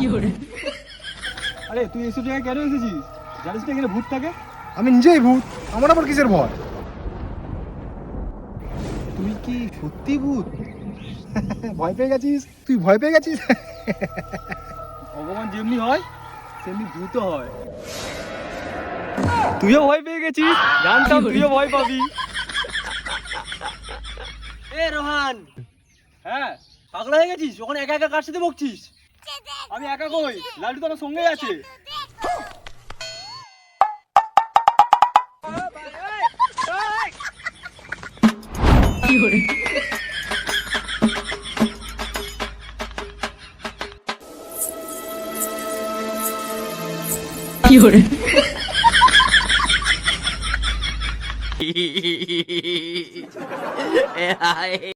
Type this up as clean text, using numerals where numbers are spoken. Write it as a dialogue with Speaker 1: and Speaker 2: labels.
Speaker 1: আরে তুই এইসব জায়গায় কেন এসেছিস? জানিস না এখানে ভূত থাকে?
Speaker 2: আমি নিজেই ভূত, আমার আবার কিসের ভয়?
Speaker 1: তুই কি সত্যি ভূত? ভয় পেয়ে গেছিস?
Speaker 2: তুই ভয় পেয়ে গেছিস?
Speaker 1: ভগবান যেমনি হয় সেমনি ভূত হয়। তুইও ভয় পেয়ে গেছিস? জানতাম তুইও ভয় পাবি। এ রোহান, হ্যাঁ পাগলা হয়ে গেছিস? ওখানে একা একা কার সাথে বকছিস? আমি একা কই, লালটু তো আমার সঙ্গেই আছে।